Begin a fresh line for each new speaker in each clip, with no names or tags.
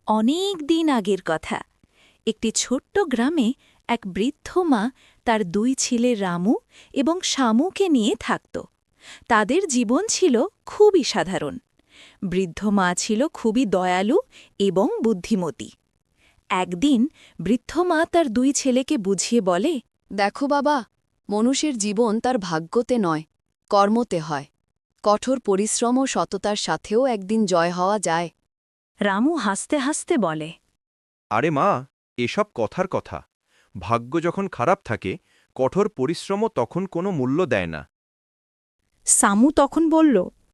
অনেক দিন আগের কথা। একটি ছোট্ট গ্রামে এক বৃদ্ধ মা তার দুই ছেলে রামু এবং শামুকে নিয়ে থাকত। তাদের জীবন ছিল খুবই সাধারণ। বৃদ্ধ মা ছিল খুবই দয়ালু এবং বুদ্ধিমতী। একদিন বৃদ্ধ মা তার দুই ছেলেকে বুঝিয়ে বলে,
দেখো বাবা, মানুষের জীবন তার ভাগ্যতে নয়, কর্মতে হয়। কঠোর পরিশ্রম ও সততার সাথেও একদিন জয় হওয়া যায়।
রামু হাসতে হাসতে বলে,
আরে মা, এসব কথার কথা। ভাগ্য যখন খারাপ থাকে, কঠোর পরিশ্রমও তখন কোনো মূল্য দেয় না।
সামু তখন বলল,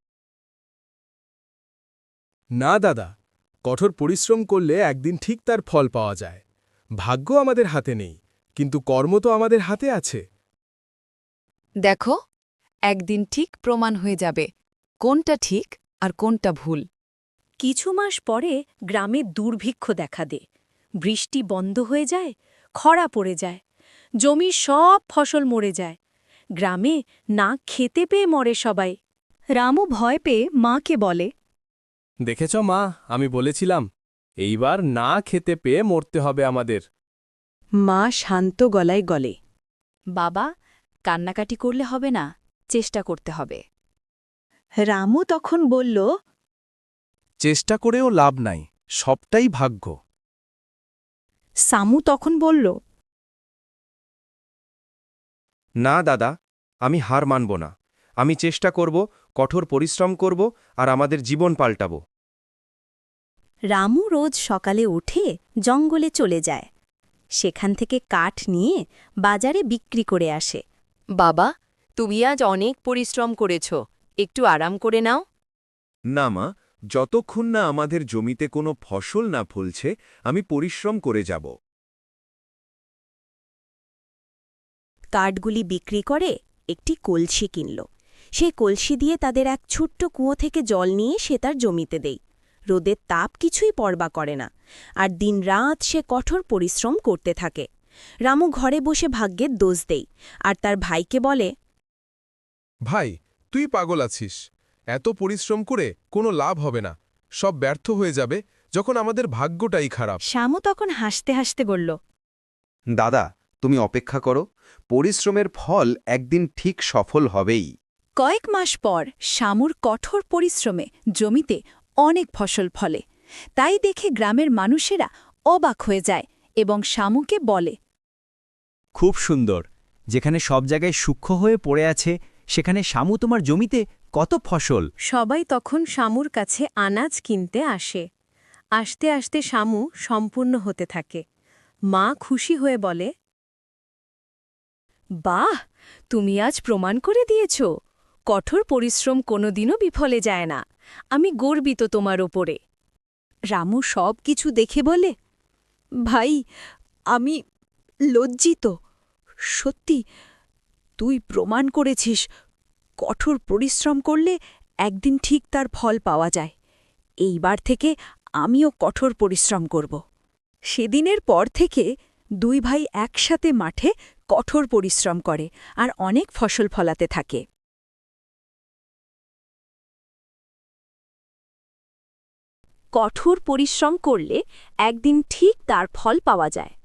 না দাদা, কঠোর পরিশ্রম করলে একদিন ঠিক তার ফল পাওয়া যায়। ভাগ্য আমাদের হাতে নেই, কিন্তু কর্ম তো আমাদের হাতে আছে।
দেখো, একদিন ঠিক প্রমাণ হয়ে যাবে কোনটা ঠিক আর কোনটা ভুল।
কিছু মাস পরে গ্রামে দুর্ভিক্ষ দেখা দেয়। বৃষ্টি বন্ধ হয়ে যায়, খরা পড়ে যায়, জমির সব ফসল মরে যায়। গ্রামে না খেতে পেয়ে মরে সবাই। রামু ভয় পেয়ে মাকে বলে,
দেখেছ মা, আমি বলেছিলাম, এইবার না খেতে পেয়ে মরতে হবে আমাদের।
মা শান্ত গলায় গলে, বাবা, কান্নাকাটি করলে হবে না, চেষ্টা করতে হবে। রামু তখন বলল,
চেষ্টা করেও লাভ নাই, সবটাই ভাগ্য।
সামু তখন বলল,
না দাদা, আমি হার মানব না। আমি চেষ্টা করব, কঠোর পরিশ্রম করব আর আমাদের জীবন পাল্টাব।
রামু রোজ সকালে উঠে জঙ্গলে চলে যায়। সেখান থেকে কাঠ নিয়ে বাজারে বিক্রি করে আসে।
বাবা, তুমি আজ অনেক পরিশ্রম করেছ, একটু আরাম করে নাও।
না মা, যতক্ষণ না আমাদের জমিতে কোনো ফসল না ফলছে, আমি পরিশ্রম করে যাব।
কাঠগুলি বিক্রি করে একটি কলসি কিনল। সেই কলসি দিয়ে তাদের এক ছোট্ট কুয়ো থেকে জল নিয়ে সে তার জমিতে দেয়। রোদের তাপ কিছুই পরবা করে না, আর দিনরাত সে কঠোর পরিশ্রম করতে থাকে। রামু ঘরে বসে ভাগ্যের দোষ দেয় আর তার ভাইকে বলে,
ভাই, তুই পাগল আছিস। এত পরিশ্রম করে কোনো লাভ হবে না, সব ব্যর্থ হয়ে যাবে যখন আমাদের ভাগ্যটাই খারাপ।
শ্যামু তখন হাসতে হাসতে বলল,
দাদা, তুমি অপেক্ষা করো, পরিশ্রমের ফল একদিন ঠিক সফল হবেই।
কয়েক মাস পর শ্যামুর কঠোর পরিশ্রমে জমিতে অনেক ফসল ফলে। তাই দেখে গ্রামের মানুষেরা অবাক হয়ে যায় এবং শ্যামুকে বলে,
খুব সুন্দর। যেখানে সব জায়গায় সূক্ষ্ম হয়ে পড়ে আছে, সেখানে শামু তোমার জমিতে কত ফসল।
সবাই তখন শ্যামুর কাছে আনাজ কিনতে আসে। আসতে আসতে শ্যামু সম্পূর্ণ হতে থাকে। মা খুশি হয়ে বলে, বাহ, তুমি আজ প্রমাণ করে দিয়েছ কঠোর পরিশ্রম কোনোদিনও বিফলে যায় না। আমি গর্বিত তোমার ওপরে। রামু সব কিছু দেখে বলে, ভাই, আমি লজ্জিত। সত্যি, তুই প্রমাণ করেছিস কঠোর পরিশ্রম করলে একদিন ঠিক তার ফল পাওয়া যায়। এইবার থেকে আমিও কঠোর পরিশ্রম করব। সেদিনের পর থেকে দুই ভাই একসাথে মাঠে কঠোর পরিশ্রম করে আর অনেক ফসল ফলাতে থাকে। কঠোর পরিশ্রম করলে একদিন ঠিক তার ফল পাওয়া যায়।